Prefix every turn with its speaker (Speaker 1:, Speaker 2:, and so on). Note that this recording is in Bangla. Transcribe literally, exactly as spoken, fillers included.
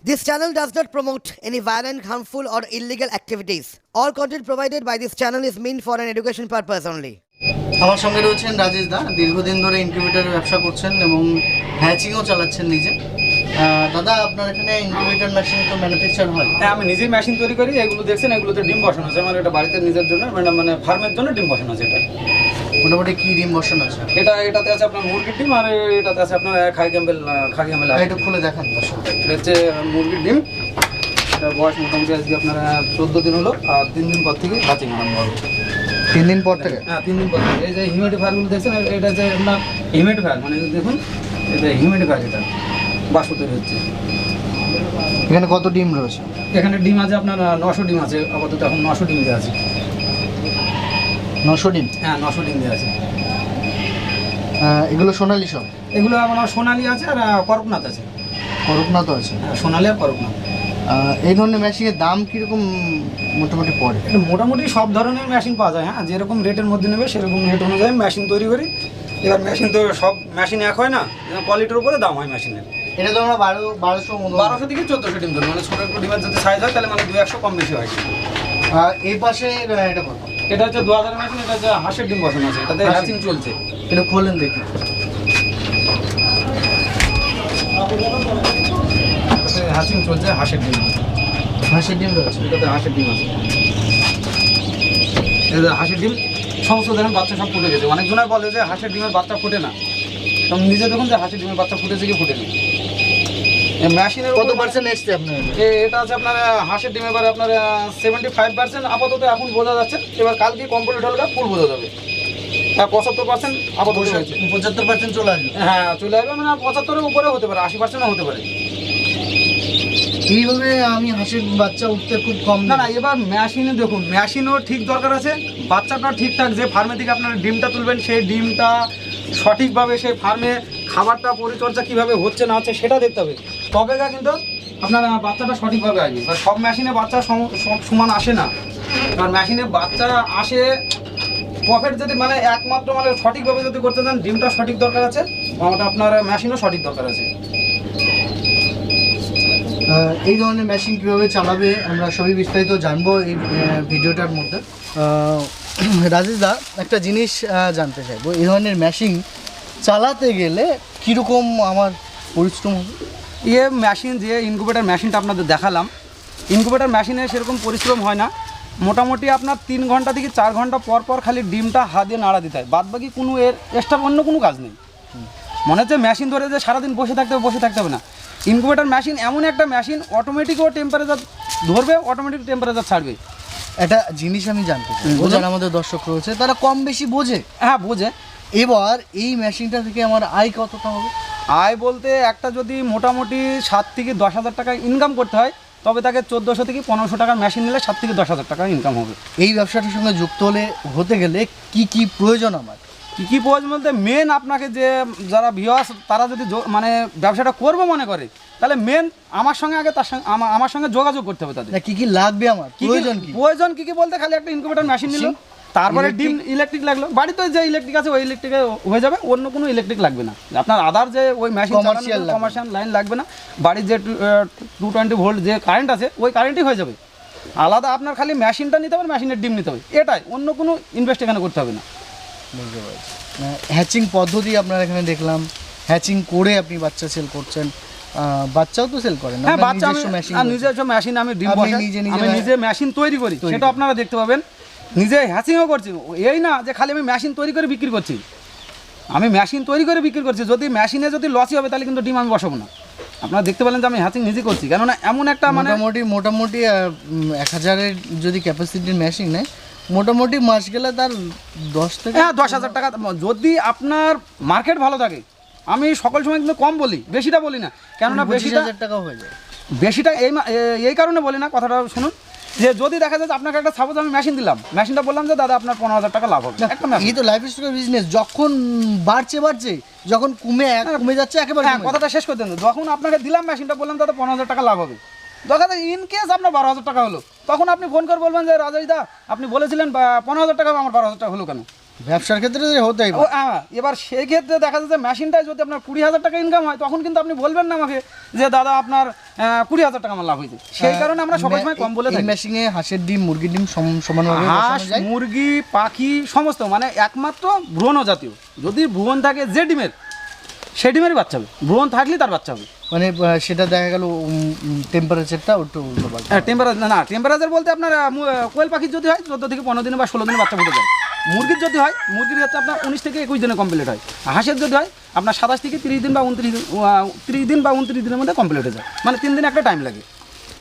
Speaker 1: This channel does not promote any violent, harmful, or illegal activities. All content provided by this channel is meant for an education purpose only.
Speaker 2: আমার সঙ্গে রয়েছেন রাজেশ দা, দীর্ঘদিন ধরে ইনকিউবেটরের ব্যবসা করছেন এবং হ্যাচিংও চালাচ্ছেন নিজে। আহ, দাদা, আপনার এখানে ইনকিউবেটর মেশিন তো ম্যানুফ্যাকচার হয়?
Speaker 3: হ্যাঁ, আমি নিজেই মেশিন তৈরি করি। এগুলো দেখছেন, এগুলোতে ডিম বসানো আছে। আমার এটা বাড়িতে নিজের জন্য, মানে মানে ফার্মের জন্য ডিম বসানো আছে। এটা
Speaker 2: মোটামুটি কি ডিম বসানো আছে?
Speaker 3: এটা এটাতে আছে আপনার মুরগির ডিম, আর এটাতে আছে আপনার খাই ক্যাম্বেল খাই ক্যাম্বেল।
Speaker 2: এটা খুলে দেখান দর্শক।
Speaker 3: এটা হচ্ছে মুরগির ডিম। এটা বয়স মোটামুটি আজকে আপনার চোদ্দো দিন হলো, আর তিন দিন পর থেকে হাঁচিং আরম্ভ হবে।
Speaker 2: তিন দিন পর থেকে?
Speaker 3: হ্যাঁ, তিন দিন পর থেকে। এই যে হিউমিডিফায়ারগুলো দেখছেন, এটা যে আপনার হিউমিডিফায়ার, মানে দেখুন এটা হিউমিডিফায়ার, এটা বাষ্প তৈরি হচ্ছে।
Speaker 2: এখানে কত ডিম রয়েছে?
Speaker 3: এখানে ডিম আছে আপনার নশো ডিম আছে আপাতত। এখন নশো ডিম দেওয়া আছে।
Speaker 2: নশো ডিম?
Speaker 3: হ্যাঁ, নশো ডিম দেওয়া আছে।
Speaker 2: আহ, এগুলো সোনালি সব?
Speaker 3: এগুলো আমার সোনালি আছে আর করকনাথ আছে।
Speaker 2: করকনাথ আছে?
Speaker 3: হ্যাঁ, সোনালি আর করকনাথ।
Speaker 2: আহ, এই ধরনের মেশিনের দাম কীরকম মোটামুটি পড়ে?
Speaker 3: এটা মোটামুটি সব ধরনের মেশিন পাওয়া যায়। হ্যাঁ, যেরকম রেটের মধ্যে নেবে সেরকম রেট অনুযায়ী মেশিন তৈরি করি। এবার মেশিন তো সব মেশিন এক হয় না, কোয়ালিটির উপরে দাম হয় মেশিনের।
Speaker 2: এটা তো আমরা বারো বারোশো
Speaker 3: বারোশো থেকে চোদ্দোশো ডিম ধরুন, মানে ছোটো একটু ডিমের যদি সাইজ হয় তাহলে মানে দু একশো কম বেশি হয়।
Speaker 2: এই পাশে এটা কত?
Speaker 3: এটা হচ্ছে দু হাজার মেশিন। এটা হচ্ছে হাঁসের ডিম বসানো আছে, এটাতে হ্যাচিং চলছে।
Speaker 2: এটা খোলেন দেখি।
Speaker 3: এটাতে হ্যাচিং চলছে, হাঁসের ডিম।
Speaker 2: হাঁসের ডিম রয়েছে?
Speaker 3: এটাতে হাঁসের ডিম আছে। এটাতে হাঁসের ডিম সমস্ত ধরনের বাচ্চা সব ফুটে গেছে। অনেকজনের বলে যে হাঁসের ডিমের বাচ্চা ফুটে না, তো নিজে দেখুন যে হাঁসের ডিমের বাচ্চা ফুটেছে কি ফুটেনি। মেশিনের
Speaker 2: কত পার্সেন্ট এসছে আপনার?
Speaker 3: এটা আছে আপনার হাঁসের ডিম এবার আপনার সেভেন্টি ফাইভ পার্সেন্ট আপাতত এখন বোঝা যাচ্ছে। এবার কালকে কমপ্লিট হলে ফুল বোঝা যাবে। হ্যাঁ, পঁচাত্তর পার্সেন্ট আপাতত হয়েছে।
Speaker 2: পঁচাত্তর পার্সেন্ট চলে আসবে?
Speaker 3: হ্যাঁ, চলে আসবে, মানে পঁচাত্তরের উপরে হতে পারে, আশি পার্সেন্টও হতে পারে।
Speaker 2: এইভাবে আমি হাঁসের বাচ্চা উঠতে খুব কম।
Speaker 3: না না, এবার মেশিনে দেখুন, মেশিনও ঠিক দরকার আছে, বাচ্চাটা ঠিকঠাক যে ফার্মে থেকে আপনারা ডিমটা তুলবেন সেই ডিমটা সঠিকভাবে সেই ফার্মে খাবারটা পরিচর্যা কীভাবে হচ্ছে না হচ্ছে সেটা দেখতে হবে। তবে গা কিন্তু আপনার বাচ্চাটা সঠিকভাবে আসবে। এবার সব মেশিনে বাচ্চা সম- সব সমান আসে না। কারণ মেশিনে বাচ্চা আসে প্রফিট যদি মানে একমাত্র মানে সঠিকভাবে যদি করতে চান, ডিমটা সঠিক দরকার আছে, ওটা আপনার মেশিনও সঠিক দরকার আছে।
Speaker 2: আহ, এই ধরনের মেশিন কীভাবে চালাবে আমরা সবই বিস্তারিত জানবো এই আহ, ভিডিওটার মধ্যে। আহ, রাজেশ দা, একটা জিনিস আহ, জানতে চাইবো, এই ধরনের মেশিন চালাতে গেলে কীরকম আমার পরিশ্রম হবে?
Speaker 3: ইয়ে মেশিন যে ইনকিউবেটর মেশিনটা আপনাদের দেখালাম, ইনকিউবেটর মেশিনে সেরকম পরিশ্রম হয় না। মোটামুটি আপনার তিন ঘন্টা থেকে চার ঘন্টা পর পর খালি ডিমটা হাত দিয়ে নাড়া দিতে হয়, বাদ বাকি কোনো এর এক্সট্রা অন্য কোনো কাজ নেই। মনে হচ্ছে মেশিন ধরে যে সারাদিন বসে থাকতে হবে, বসে থাকতে হবে না। ইনকিউবেটর মেশিন এমন একটা মেশিন, অটোমেটিকও টেম্পারেচার ধরবে, অটোমেটিক টেম্পারেচার ছাড়বে।
Speaker 2: একটা জিনিস আমি জানতে চাই,
Speaker 3: বলুন।
Speaker 2: যারা আমাদের দর্শক রয়েছে তারা কম বেশি বোঝে।
Speaker 3: হ্যাঁ, বোঝে।
Speaker 2: এবার এই মেশিনটা থেকে আমার আয় কতটা হবে?
Speaker 3: আয় বলতে একটা যদি মোটামুটি সাত থেকে দশ হাজার টাকা ইনকাম করতে হয়, তবে তাকে চোদ্দোশো থেকে পনেরোশো টাকার মেশিন নিলে সাত থেকে দশ হাজার টাকা ইনকাম হবে।
Speaker 2: এই ব্যবসাটার সঙ্গে যুক্ত হলে হতে গেলে কি কি প্রয়োজন আমার?
Speaker 3: কী কী প্রয়োজন বলতে মেন আপনাকে যে যারা ভিউয়ার্স তারা যদি যো- মানে ব্যবসাটা করবো মনে করে, তাহলে মেন আমার সঙ্গে আগে তার সঙ্গে আমা- আমার সঙ্গে যোগাযোগ করতে হবে তাদের।
Speaker 2: না, কি কি লাগবে আমার?
Speaker 3: কি কি-
Speaker 2: প্রয়োজন কি?
Speaker 3: প্রয়োজন কী কী বলতে খালি একটা ইনকিউবেটর মেশিন নিল, তারপরে ডিম ইলেকট্রিক লাগলো। বাড়িতে যে ইলেকট্রিক আছে ওই ইলেকট্রিকে হয়ে যাবে, অন্য কোনো ইলেকট্রিক লাগবে না। আপনার আদার যে ওই মেশিন
Speaker 2: Commercial লাগবে।
Speaker 3: কমার্শিয়াল লাইন লাগবে না। বাড়ির যে টু টোয়েন্টি ভোল্ট যে কারেন্ট আছে ওই কারেন্টই হয়ে যাবে। আলাদা আপনার খালি মেশিনটা নিতে হবে, মেশিনের ডিম নিতে হবে, এটাই, অন্য কোনো ইনভেস্ট এখানে করতে হবে না।
Speaker 2: বুঝতে পারছি। হ্যাচিং পদ্ধতি আপনার এখানে দেখলাম, হ্যাচিং করে আপনি বাচ্চা সেল করছেন। আহ, বাচ্চাও তো সেল করেন?
Speaker 3: হ্যাঁ,
Speaker 2: আপনার
Speaker 3: বাচ্চা আমি
Speaker 2: নিজস্ব মেশিন
Speaker 3: আর
Speaker 2: রয়েছে?
Speaker 3: নিজস্ব মেশিন আমি ডিম
Speaker 2: আপনি
Speaker 3: বসাই,
Speaker 2: নিজে নিজে
Speaker 3: আমি
Speaker 2: মে-
Speaker 3: নিজে মেশিন তৈরি করি,
Speaker 2: তৈরি
Speaker 3: সেটা
Speaker 2: করেন।
Speaker 3: আপনারা দেখতে পাবেন। নিজে হ্যাচিংও করছি, এই না যে খালি আমি মেশিন তৈরি করে বিক্রি করছি। আমি মেশিন তৈরি করে বিক্রি করছি, যদি মেশিনে যদি লসই হবে তাহলে কিন্তু ডিম আমি বসাবো না। আপনারা দেখতে পেলেন যে আমি হ্যাচিং নিজে করছি, কেননা এমন একটা মানে
Speaker 2: মোটামুটি মোটামুটি আহ, উম, এক হাজারের যদি ক্যাপাসিটির মেশিন নেয়, মোটামুটি মাস গেলে তার দশ থেকে
Speaker 3: হ্যাঁ দশ হাজার টাকা, যদি আপনার মার্কেট ভালো থাকে। আমি সকল সময় কিন্তু কম বলি, বেশিটা বলি না, কেননা
Speaker 2: পঁচিশ
Speaker 3: বেশিটা
Speaker 2: হাজার টাকা হয়ে যায়।
Speaker 3: বেশিটা এই মা- এ- এই কারণে বলি না, কথাটা শুনুন, যে যদি দেখা যায় যে আপনাকে একটা সাপোজ আমি মেশিন দিলাম, মেশিনটা বললাম যে দাদা আপনার পনেরো হাজার টাকা লাভ হবে একটা মেশিন।
Speaker 2: এই তো লাইফ স্টাইল বিজনেস, যখন বাড়ছে বাড়ছে, যখন কমে কমে যাচ্ছে একেবারে
Speaker 3: হ্যাঁ,
Speaker 2: কমে
Speaker 3: কথাটা শেষ করে দেন। যখন আপনাকে দিলাম মেশিনটা, বললাম দাদা পনেরো হাজার টাকা লাভ হবে, দেখা যায় ইন কেস আপনার বারো হাজার টাকা হলো, তখন আপনি ফোন করে বলবেন যে রাজেশ দা আপনি বলেছিলেন বা পনেরো হাজার টাকা, আমার বারো হাজার টাকা হলো কেন?
Speaker 2: ব্যবসার ক্ষেত্রে হতেই
Speaker 3: ও হ্যাঁ, এবার সেই ক্ষেত্রে দেখা যাচ্ছে মেশিনটায় যদি আপনার কুড়ি হাজার টাকা ইনকাম হয় তখন কিন্তু আপনি বলবেন না আমাকে যে দাদা আপনার আহ, কুড়ি হাজার টাকা আমার লাভ হয়েছে। সেই কারণে আমরা সবাই সময় কম বলে
Speaker 2: এই
Speaker 3: থাকি।
Speaker 2: মেশিনে হাঁসের ডিম মুরগির ডিম সম- সমানভাবে
Speaker 3: হাঁস
Speaker 2: বসানো যায়?
Speaker 3: মুরগি পাখি সমস্ত মানে একমাত্র ভ্রূণ জাতীয়, যদি ভ্রূণ থাকে যে ডিমের সেই ডিমেরই বাচ্চা হবে, ভ্রূণ থাকলেই তার বাচ্চা হবে।
Speaker 2: মানে আহ, সেটা দেখা গেল টেম্পারেচারটা একটু উল্টো পাল্টা।
Speaker 3: টেম্পারেচার না টেম্পারেচার বলতে আপনার আহ, মু- আহ, কোয়েল পাখির যদি হয় চোদ্দো থেকে পনেরো দিনে বা ষোলো দিনে বাচ্চা ফুটে যায়। মুরগির যদি হয় মুরগির হচ্ছে আপনার উনিশ থেকে একুশ দিনে কমপ্লিট হয়। হাঁসের যদি হয় আপনার সাতাশ থেকে তিরিশ দিন বা উনত্রিশ দিন তিরিশ দিন বা উনত্রিশ দিনের মধ্যে কমপ্লিট হয়ে যায়, মানে তিন দিন একটা টাইম লাগে।